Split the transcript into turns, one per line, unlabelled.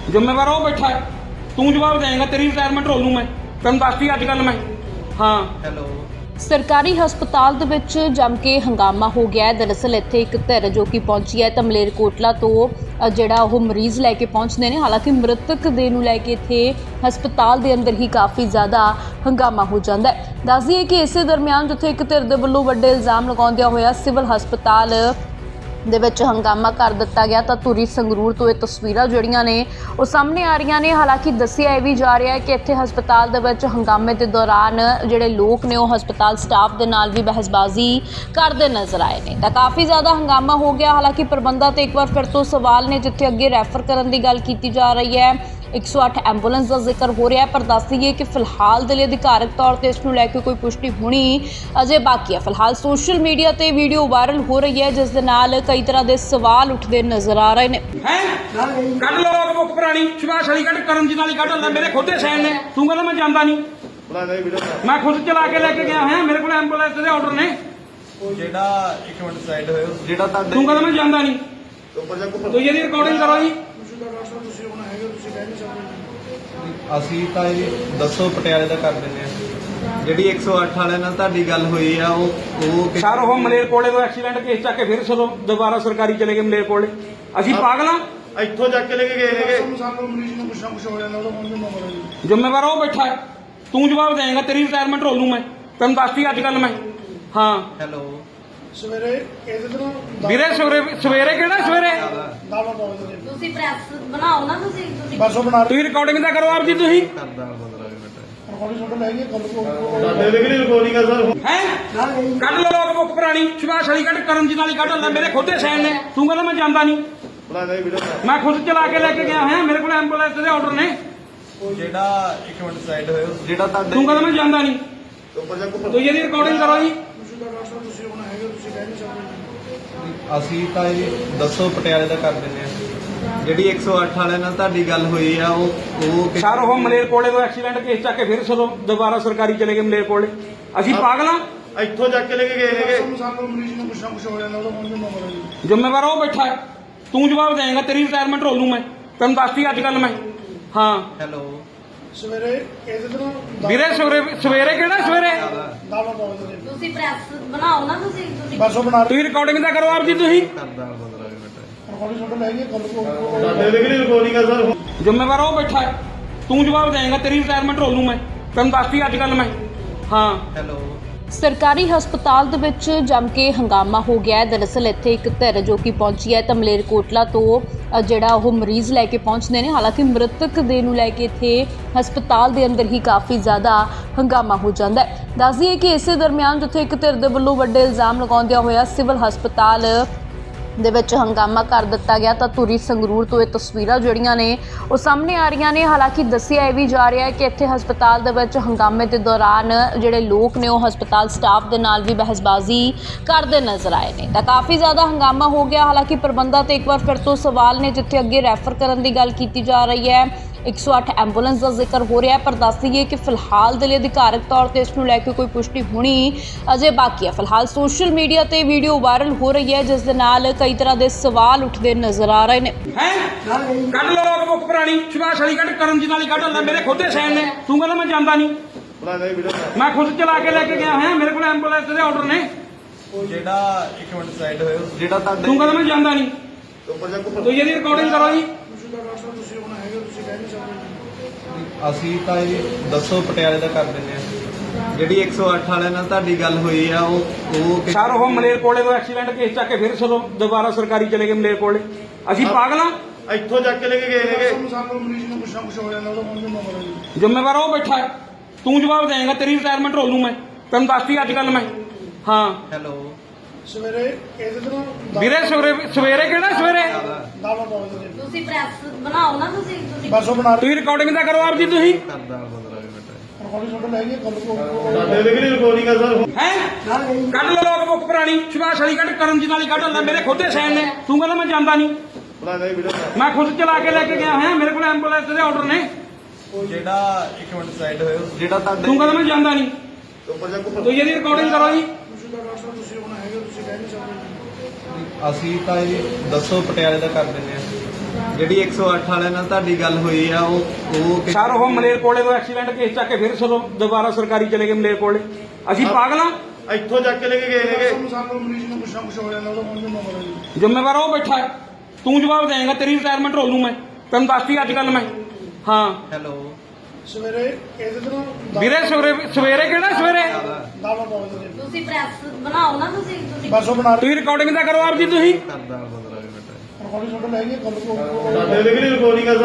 ਜ਼ਿੰਮੇਵਾਰ ਉਹ ਬੈਠਾ ਹੈ, ਤੂੰ ਜਵਾਬ ਦੇਏਗਾ। ਤੇਰੀ ਰਿਟਾਇਰਮੈਂਟ ਰੋਲ ਲੂੰ ਮੈਂ, ਤੈਨੂੰ ਦੱਸਦੀ ਅੱਜ ਕੱਲ੍ਹ ਮੈਂ। ਹਾਂ
ਹੈਲੋ।
ਸਰਕਾਰੀ ਹਸਪਤਾਲ ਦੇ ਵਿੱਚ ਜੰਮ ਕੇ ਹੰਗਾਮਾ ਹੋ ਗਿਆ ਹੈ। ਦਰਅਸਲ ਇੱਥੇ ਇੱਕ ਧਿਰ ਜੋ ਕਿ ਪਹੁੰਚੀ ਹੈ ਤਾਂ ਮਲੇਰਕੋਟਲਾ ਤੋਂ ਜਿਹੜਾ ਉਹ ਮਰੀਜ਼ ਲੈ ਕੇ ਪਹੁੰਚਦੇ ਨੇ। ਹਾਲਾਂਕਿ ਮ੍ਰਿਤਕ ਦੇ ਨੂੰ ਲੈ ਕੇ ਇੱਥੇ ਹਸਪਤਾਲ ਦੇ ਅੰਦਰ ਹੀ ਕਾਫੀ ਜ਼ਿਆਦਾ ਹੰਗਾਮਾ ਹੋ ਜਾਂਦਾ ਹੈ। ਦੱਸ ਦਈਏ ਕਿ ਇਸੇ ਦਰਮਿਆਨ ਜਿੱਥੇ ਇੱਕ ਧਿਰ ਦੇ ਵੱਲੋਂ ਵੱਡੇ ਇਲਜ਼ਾਮ ਲਗਾਉਂਦਿਆਂ ਹੋਇਆ ਸਿਵਲ ਹਸਪਤਾਲ ਦੇ ਵਿੱਚ ਹੰਗਾਮਾ ਕਰ ਦਿੱਤਾ ਗਿਆ ਤਾਂ ਧੂਰੀ ਸੰਗਰੂਰ ਤੋਂ ਇਹ ਤਸਵੀਰਾਂ ਜਿਹੜੀਆਂ ਨੇ ਉਹ ਸਾਹਮਣੇ ਆ ਰਹੀਆਂ ਨੇ। ਹਾਲਾਂਕਿ ਦੱਸਿਆ ਇਹ ਵੀ ਜਾ ਰਿਹਾ ਹੈ ਕਿ ਇੱਥੇ ਹਸਪਤਾਲ ਦੇ ਵਿੱਚ ਹੰਗਾਮੇ ਦੇ ਦੌਰਾਨ ਜਿਹੜੇ ਲੋਕ ਨੇ ਉਹ ਹਸਪਤਾਲ ਸਟਾਫ ਦੇ ਨਾਲ ਵੀ ਬਹਿਸਬਾਜ਼ੀ ਕਰਦੇ ਨਜ਼ਰ ਆਏ ਨੇ ਤਾਂ ਕਾਫੀ ਜ਼ਿਆਦਾ ਹੰਗਾਮਾ ਹੋ ਗਿਆ। ਹਾਲਾਂਕਿ ਪ੍ਰਬੰਧਾਂ ਤੇ ਇੱਕ ਵਾਰ ਫਿਰ ਤੋਂ ਸਵਾਲ ਨੇ, ਜਿੱਥੇ ਅੱਗੇ ਰੈਫਰ ਕਰਨ ਦੀ ਗੱਲ ਕੀਤੀ ਜਾ ਰਹੀ ਹੈ। 108 ਐਂਬੂਲੈਂਸ ਦਾ ਜ਼ਿਕਰ ਹੋ ਰਿਹਾ ਹੈ, ਪਰ ਦੱਸ ਦਈਏ ਕਿ ਫਿਲਹਾਲ ਦੇ ਲਈ ਅਧਿਕਾਰਕ ਤੌਰ ਤੇ ਇਸ ਨੂੰ ਲੈ ਕੇ ਕੋਈ ਪੁਸ਼ਟੀ ਹੋਣੀ ਅਜੇ ਬਾਕੀ ਹੈ। ਫਿਲਹਾਲ ਸੋਸ਼ਲ ਮੀਡੀਆ ਤੇ ਵੀਡੀਓ ਵਾਇਰਲ ਹੋ ਰਹੀ ਹੈ, ਜਿਸ ਦੇ ਨਾਲ ਕਈ ਤਰ੍ਹਾਂ ਦੇ ਸਵਾਲ ਉੱਠਦੇ ਨਜ਼ਰ ਆ ਰਹੇ ਨੇ।
ਕੱਢ ਲੋ ਬੁੱਕ ਪੁਰਾਣੀ ਸੁਭਾਸ਼ ਵਾਲੀ ਕੱਢ, ਕਰਮਜੀਤ ਵਾਲੀ ਕੱਢ ਲੈ, ਮੇਰੇ ਖੁਦ ਦੇ ਸਾਈਨ ਨੇ। ਤੂੰ ਕਹਿੰਦਾ ਮੈਂ ਜਾਂਦਾ ਨਹੀਂ, ਮੈਂ ਖੁਦ ਚਲਾ ਕੇ ਲੈ ਕੇ ਗਿਆ ਹਾਂ, ਮੇਰੇ ਕੋਲ ਐਂਬੂਲੈਂਸ ਦੇ ਆਰਡਰ ਨੇ।
ਜਿਹੜਾ ਇੱਕ ਮਿੰਟ ਸਾਈਡ ਹੋਇਓ, ਜਿਹੜਾ ਤੁਹਾਡਾ
ਤੂੰ ਕਹਿੰਦਾ ਮੈਂ ਜਾਂਦਾ ਨਹੀਂ, ਤੁਸੀਂ ਇਹਦੀ ਰਿਕਾਰਡਿੰਗ ਕਰੋ ਜੀ।
ਅਸੀਂ ਤਾਂ ਇਹ ਦੱਸੋ ਪਟਿਆਲੇ ਦਾ ਕਰ ਦਿੰਦੇ ਆ। ਜਿਹੜੀ 108 ਵਾਲਿਆਂ ਨਾਲ ਤੁਹਾਡੀ ਗੱਲ ਹੋਈ ਆ ਉਹ
ਸਰ ਉਹ ਮਲੇਰਕੋਟਲੇ ਤੋਂ ਐਕਸੀਡੈਂਟ ਕੇਸ ਚੱਕ ਕੇ ਫਿਰ ਸਦੋਂ ਦੁਬਾਰਾ ਸਰਕਾਰੀ ਚਲੇ ਗਏ ਮਲੇਰਕੋਟਲੇ। ਅਸੀਂ ਪਾਗਲਾਂ,
ਇੱਥੋਂ ਚੱਕ ਕੇ ਲੈ ਕੇ ਗਏ ਨੇਗੇ।
ਜ਼ਿੰਮੇਵਾਰ ਉਹ ਬੈਠਾ ਹੈ, ਤੂੰ ਜਵਾਬ ਦੇਏਗਾ। ਤੇਰੀ ਰਿਟਾਇਰਮੈਂਟ ਰੋਲ ਲੂੰ ਮੈਂ, ਤੈਨੂੰ ਦੱਸਦੀ ਅੱਜ ਕੱਲ੍ਹ ਮੈਂ। ਹਾਂ
ਹੈਲੋ।
ਸਵੇਰੇ ਇਹਦੇ ਤੋਂ
ਵੀਰੇ ਸਵੇਰੇ ਕਿਹੜਾ ਸਵੇਰੇ
ਤੁਸੀਂ ਪ੍ਰੈਸ ਬਣਾਓ ਨਾ, ਤੁਸੀਂ
ਬਰਸੋਂ ਬਣਾ
ਤੁਸੀਂ ਰਿਕਾਰਡਿੰਗ ਤਾਂ ਕਰੋ ਆਪ ਜੀ। ਤੁਸੀਂ
ਕਰਦਾ 15 ਮਿੰਟ।
ਰਿਕਾਰਡਿੰਗ ਛੋਟਾ ਲੈ ਗਏ ਗੱਲ ਕੋ
ਹੈ ਕੱਢ ਲੋ ਬੁੱਕ ਪੁਰਾਣੀ ਸੁਭਾਸ਼ ਵਾਲੀ ਕੱਢ, ਕਰਮਜੀਤ ਵਾਲੀ ਕੱਢ ਲੈ, ਮੇਰੇ ਖੁਦ ਦੇ ਸਾਈਨ ਨੇ। ਤੂੰ ਕਹਿੰਦਾ ਮੈਂ ਜਾਂਦਾ ਨਹੀਂ, ਮੈਂ ਖੁਦ ਚਲਾ ਕੇ ਲੈ ਕੇ ਗਿਆ ਹਾਂ, ਮੇਰੇ ਕੋਲ ਐਂਬੂਲੈਂਸ ਦੇ ਆਰਡਰ ਨੇ।
ਜਿਹੜਾ ਇੱਕ ਮਿੰਟ ਸਾਈਡ ਹੋਇਓ, ਜਿਹੜਾ ਤੁਹਾਡਾ
ਤੂੰ ਕਹਿੰਦਾ ਮੈਂ ਜਾਂਦਾ ਨਹੀਂ, ਤੁਸੀਂ ਇਹਦੀ ਰਿਕਾਰਡਿੰਗ ਕਰੋ ਜੀ।
ਤੁਸੀਂ ਹੁਣ ਹੈਗੇ, ਤੁਸੀਂ ਕਹਿ ਨਹੀਂ ਸਕਦੇ।
ਅਸੀਂ ਤਾਂ ਇਹ ਦੱਸੋ ਪਟਿਆਲੇ ਦਾ ਕਰ ਦਿੰਦੇ ਆ। ਜਿਹੜੀ 108 ਵਾਲਿਆਂ ਨਾਲ ਤੁਹਾਡੀ ਗੱਲ ਹੋਈ ਆ ਉਹ
ਸਰ ਉਹ ਮਲੇਰਕੋਟਲੇ ਤੋਂ ਐਕਸੀਡੈਂਟ ਕੇਸ ਚੱਕ ਕੇ ਫਿਰ ਸਦੋਂ ਦੁਬਾਰਾ ਸਰਕਾਰੀ ਚਲੇ ਗਏ ਮਲੇਰਕੋਟਲੇ। ਅਸੀਂ ਪਾਗਲਾਂ,
ਇੱਥੋਂ ਚੱਕ ਕੇ ਲੈ ਕੇ ਗਏ ਨੇਗੇ।
ਸਾਨੂੰ ਮਰੀਜ਼ ਨੂੰ ਕੁਛ ਨਾ ਕੁਛ ਹੋ ਜਾਂਦਾ, ਉਹਦਾ ਮਨ ਨੂੰ ਮਰ ਜੀ।
ਜ਼ਿੰਮੇਵਾਰ ਉਹ ਬੈਠਾ ਹੈ, ਤੂੰ ਜਵਾਬ ਦੇਏਗਾ। ਤੇਰੀ ਰਿਟਾਇਰਮੈਂਟ ਰੋਲ ਲੂੰ ਮੈਂ, ਤੈਨੂੰ ਦੱਸਦੀ ਅੱਜ ਕੱਲ੍ਹ ਮੈਂ। ਹਾਂ
ਹੈਲੋ।
ਸਵੇਰੇ ਇਹਦੇ ਤੋਂ
ਵੀਰੇ ਸਵੇਰੇ ਕਿਹੜਾ ਸਵੇਰੇ
ਦਾਵਾ
ਤੁਸੀਂ ਪ੍ਰੈਸ ਬਣਾਓ ਨਾ, ਤੁਸੀਂ
ਬਰਸੋਂ ਬਣਾ
ਤੁਸੀਂ ਰਿਕਾਰਡਿੰਗ ਤਾਂ ਕਰੋ ਆਪ ਜੀ। ਤੁਸੀਂ
ਕਰਦਾ 15 ਮਿੰਟ।
ਰਿਕਾਰਡਿੰਗ ਛੋਟਾ ਲੈ ਗਏ ਗੱਲ ਕੋ
ਜ਼ਿੰਮੇਵਾਰ ਉਹ ਬੈਠਾ ਹੈ, ਤੂੰ ਜਵਾਬ ਦੇਏਗਾ। ਤੇਰੀ ਰਿਟਾਇਰਮੈਂਟ ਰੋਲ ਲੂੰ ਮੈਂ, ਤੈਨੂੰ ਦੱਸਦੀ ਅੱਜ ਕੱਲ੍ਹ ਮੈਂ। ਹਾਂ
ਹੈਲੋ।
ਸਰਕਾਰੀ ਹਸਪਤਾਲ ਦੇ ਵਿੱਚ ਜੰਮ ਕੇ ਹੰਗਾਮਾ ਹੋ ਗਿਆ ਹੈ। ਦਰਅਸਲ ਇੱਥੇ ਇੱਕ ਧਿਰ ਜੋ ਕਿ ਪਹੁੰਚੀ ਹੈ ਤਾਂ ਮਲੇਰਕੋਟਲਾ ਤੋਂ ਜਿਹੜਾ ਉਹ ਮਰੀਜ਼ ਲੈ ਕੇ ਪਹੁੰਚਦੇ ਨੇ। ਹਾਲਾਂਕਿ ਮ੍ਰਿਤਕ ਦੇ ਨੂੰ ਲੈ ਕੇ ਇੱਥੇ ਹਸਪਤਾਲ ਦੇ ਅੰਦਰ ਹੀ ਕਾਫੀ ਜ਼ਿਆਦਾ ਹੰਗਾਮਾ ਹੋ ਜਾਂਦਾ ਹੈ। ਦੱਸ ਦਈਏ ਕਿ ਇਸੇ ਦਰਮਿਆਨ ਜਿੱਥੇ ਇੱਕ ਧਿਰ ਦੇ ਵੱਲੋਂ ਵੱਡੇ ਇਲਜ਼ਾਮ ਲਗਾਉਂਦਿਆਂ ਹੋਇਆ ਸਿਵਲ ਹਸਪਤਾਲ ਦੇ ਵਿੱਚ ਹੰਗਾਮਾ ਕਰ ਦਿੱਤਾ ਗਿਆ ਤਾਂ ਧੂਰੀ ਸੰਗਰੂਰ ਤੋਂ ਇਹ ਤਸਵੀਰਾਂ ਜਿਹੜੀਆਂ ਨੇ ਉਹ ਸਾਹਮਣੇ ਆ ਰਹੀਆਂ ਨੇ। ਹਾਲਾਂਕਿ ਦੱਸਿਆ ਇਹ ਵੀ ਜਾ ਰਿਹਾ ਹੈ ਕਿ ਇੱਥੇ ਹਸਪਤਾਲ ਦੇ ਵਿੱਚ ਹੰਗਾਮੇ ਦੇ ਦੌਰਾਨ ਜਿਹੜੇ ਲੋਕ ਨੇ ਉਹ ਹਸਪਤਾਲ ਸਟਾਫ ਦੇ ਨਾਲ ਵੀ ਬਹਿਸਬਾਜ਼ੀ ਕਰਦੇ ਨਜ਼ਰ ਆਏ ਨੇ ਤਾਂ ਕਾਫੀ ਜ਼ਿਆਦਾ ਹੰਗਾਮਾ ਹੋ ਗਿਆ। ਹਾਲਾਂਕਿ ਪ੍ਰਬੰਧਾਂ ਤੇ ਇੱਕ ਵਾਰ ਫਿਰ ਤੋਂ ਸਵਾਲ ਨੇ, ਜਿੱਥੇ ਅੱਗੇ ਰੈਫਰ ਕਰਨ ਦੀ ਗੱਲ ਕੀਤੀ ਜਾ ਰਹੀ ਹੈ। 108 ਐਂਬੂਲੈਂਸ ਦਾ ਜ਼ਿਕਰ ਹੋ ਰਿਹਾ ਹੈ, ਪਰ ਦੱਸ ਦਈਏ ਕਿ ਫਿਲਹਾਲ ਦੇ ਲਈ ਅਧਿਕਾਰਕ ਤੌਰ ਤੇ ਇਸ ਨੂੰ ਲੈ ਕੇ ਕੋਈ ਪੁਸ਼ਟੀ ਹੋਣੀ ਅਜੇ ਬਾਕੀ ਹੈ। ਫਿਲਹਾਲ ਸੋਸ਼ਲ ਮੀਡੀਆ ਤੇ ਵੀਡੀਓ ਵਾਇਰਲ ਹੋ ਰਹੀ ਹੈ, ਜਿਸ ਦੇ ਨਾਲ ਕਈ ਤਰ੍ਹਾਂ ਦੇ ਸਵਾਲ ਉੱਠਦੇ ਨਜ਼ਰ ਆ ਰਹੇ ਨੇ।
ਕੱਢ ਲੋ ਬੁੱਕ ਪੁਰਾਣੀ ਸੁਭਾਸ਼ ਵਾਲੀ ਕੱਢ, ਕਰਮਜੀਤ ਵਾਲੀ ਕੱਢ ਲੈ, ਮੇਰੇ ਖੁਦ ਦੇ ਸਾਈਨ ਨੇ। ਤੂੰ ਕਹਿੰਦਾ ਮੈਂ ਜਾਂਦਾ ਨਹੀਂ, ਮੈਂ ਖੁਦ ਚਲਾ ਕੇ ਲੈ ਕੇ ਗਿਆ ਹਾਂ, ਮੇਰੇ ਕੋਲ ਐਂਬੂਲੈਂਸ ਦੇ ਆਰਡਰ ਨੇ।
ਜਿਹੜਾ ਇੱਕ ਮਿੰਟ ਸਾਈਡ ਹੋਇਓ, ਜਿਹੜਾ ਤੁਹਾਡਾ
ਤੂੰ ਕਹਿੰਦਾ ਮੈਂ ਜਾਂਦਾ ਨਹੀਂ, ਤੁਸੀਂ ਇਹਦੀ ਰਿਕਾਰਡਿੰਗ ਕਰੋ ਜੀ।
ਤੁਸੀਂ ਹੁਣ ਹੈਗੇ, ਤੁਸੀਂ ਕਹਿ ਨਹੀਂ ਸਕਦੇ।
ਅਸੀਂ ਤਾਂ ਇਹ ਦੱਸੋ ਪਟਿਆਲੇ ਦਾ ਕਰ ਦਿੰਦੇ ਆ। ਜਿਹੜੀ 108 ਵਾਲਿਆਂ ਨਾਲ ਤੁਹਾਡੀ ਗੱਲ ਹੋਈ ਆ ਉਹ
ਸਰ ਉਹ ਮਲੇਰਕੋਟਲੇ ਤੋਂ ਐਕਸੀਡੈਂਟ ਕੇਸ ਚੱਕ ਕੇ ਫਿਰ ਸਦੋਂ ਦੁਬਾਰਾ ਸਰਕਾਰੀ ਚਲੇ ਗਏ ਮਲੇਰਕੋਟਲੇ। ਅਸੀਂ ਪਾਗਲਾਂ,
ਇੱਥੋਂ ਚੱਕ ਕੇ ਲੈ ਕੇ ਗਏ ਨੇਗੇ।
ਸਾਨੂੰ ਮਰੀਜ਼ ਨੂੰ ਕੁਛ ਨਾ ਕੁਛ ਹੋ ਜਾਂਦਾ, ਉਹਦਾ ਮਨ ਨੂੰ ਮਰ ਜੀ।
ਜ਼ਿੰਮੇਵਾਰ ਉਹ ਬੈਠਾ ਹੈ, ਤੂੰ ਜਵਾਬ ਦੇਏਗਾ। ਤੇਰੀ ਰਿਟਾਇਰਮੈਂਟ ਰੋਲ ਲੂੰ ਮੈਂ, ਤੈਨੂੰ ਦੱਸਦੀ ਅੱਜ ਕੱਲ੍ਹ ਮੈਂ। ਹਾਂ
ਹੈਲੋ।
ਸਵੇਰੇ ਇਹਦੇ ਤੋਂ
ਵੀਰੇ ਸਵੇਰੇ ਕਿਹੜਾ ਸਵੇਰੇ
ਦਾਵਾ
ਤੁਸੀਂ ਪ੍ਰੈਸ ਬਣਾਓ ਨਾ, ਤੁਸੀਂ
ਬਰਸੋਂ ਬਣਾ
ਤੁਸੀਂ ਰਿਕਾਰਡਿੰਗ ਤਾਂ ਕਰੋ ਆਪ ਜੀ। ਤੁਸੀਂ
ਕਰਦਾ 15 ਮਿੰਟ।
ਰਿਕਾਰਡਿੰਗ ਛੋਟਾ ਲੈ ਗਏ ਗੱਲ ਕੋ
ਕੱਢ ਲੋ ਬੁੱਕ ਪੁਰਾਣੀ ਸੁਭਾਸ਼ ਵਾਲੀ ਕੱਢ, ਕਰਮਜੀਤ ਵਾਲੀ ਕੱਢ ਲੈ, ਮੇਰੇ ਖੁਦ ਦੇ ਸਾਈਨ ਨੇ। ਤੂੰ ਕਹਿੰਦਾ ਮੈਂ ਜਾਂਦਾ ਨਹੀਂ, ਮੈਂ ਖੁਦ ਚਲਾ ਕੇ ਲੈ ਕੇ ਗਿਆ ਹਾਂ, ਮੇਰੇ ਕੋਲ ਐਂਬੂਲੈਂਸ ਦੇ ਆਰਡਰ ਨੇ।
ਜਿਹੜਾ ਇੱਕ ਮਿੰਟ ਸਾਈਡ ਹੋਇਓ, ਜਿਹੜਾ ਤੁਹਾਡਾ
ਤੂੰ ਕਹਿੰਦਾ ਮੈਂ ਜਾਂਦਾ ਨਹੀਂ, ਤੁਸੀਂ ਇਹਦੀ ਰਿਕਾਰਡਿੰਗ ਕਰੋ ਜੀ।
ਤੁਸੀਂ ਹੁਣ ਹੈਗੇ, ਤੁਸੀਂ ਕਹਿ ਨਹੀਂ ਸਕਦੇ।
ਅਸੀਂ ਤਾਂ ਇਹ ਦੱਸੋ ਪਟਿਆਲੇ ਦਾ ਕਰ ਦਿੰਦੇ ਆ। ਜਿਹੜੀ 108 ਵਾਲਿਆਂ ਨਾਲ ਤੁਹਾਡੀ ਗੱਲ ਹੋਈ ਆ ਉਹ
ਸਰ ਉਹ ਮਲੇਰਕੋਟਲੇ ਤੋਂ ਐਕਸੀਡੈਂਟ ਕੇਸ ਚੱਕ ਕੇ ਫਿਰ ਸਦੋਂ ਦੁਬਾਰਾ ਸਰਕਾਰੀ ਚਲੇ ਗਏ ਮਲੇਰਕੋਟਲੇ। ਅਸੀਂ ਪਾਗਲਾਂ
ਇੱਥੋਂ ਚੱਕ ਕੇ ਲੈ ਕੇ ਗਏ ਨੇਗੇ।
ਸਾਨੂੰ ਮਰੀਜ਼ ਨੂੰ ਕੁਛ ਨਾ ਕੁਛ ਹੋ ਜਾਂਦਾ ਉਹਦਾ ਮਨ ਨੂੰ ਮਰ ਜੀ।
ਜ਼ਿੰਮੇਵਾਰ ਉਹ ਬੈਠਾ ਹੈ, ਤੂੰ ਜਵਾਬ ਦੇਏਗਾ, ਤੇਰੀ ਰਿਟਾਇਰਮੈਂਟ ਰੋਲ ਲੂੰ ਮੈਂ, ਤੈਨੂੰ ਦੱਸਤੀ ਅੱਜ ਕੱਲ ਮੈਂ। ਹਾਂ
ਹੈਲੋ
ਸਵੇਰੇ ਇਹਦੇ ਤੋਂ
ਵੀਰੇ ਸਵੇਰੇ ਕਿਹੜਾ ਸਵੇਰੇ
ਦਾਵਾ ਪਾਉਂਦੇ ਨੇ
ਤੁਸੀਂ ਪ੍ਰੈਸ ਬਣਾਓ ਨਾ ਤੁਸੀਂ
ਬਸ ਉਹ ਬਣਾ
ਤੁਸੀਂ ਰਿਕਾਰਡਿੰਗ ਤਾਂ ਕਰੋ ਆਪ ਜੀ ਤੁਸੀਂ।
ਕਰਦਾ 15 ਮਿੰਟ
ਰਿਕਾਰਡਿੰਗ ਤੁਹਾਡੇ ਲੈ ਗਏ ਗੱਲ ਕੋ
ਸਾਡੇ ਲਈ ਰਿਕਾਰਡਿੰਗ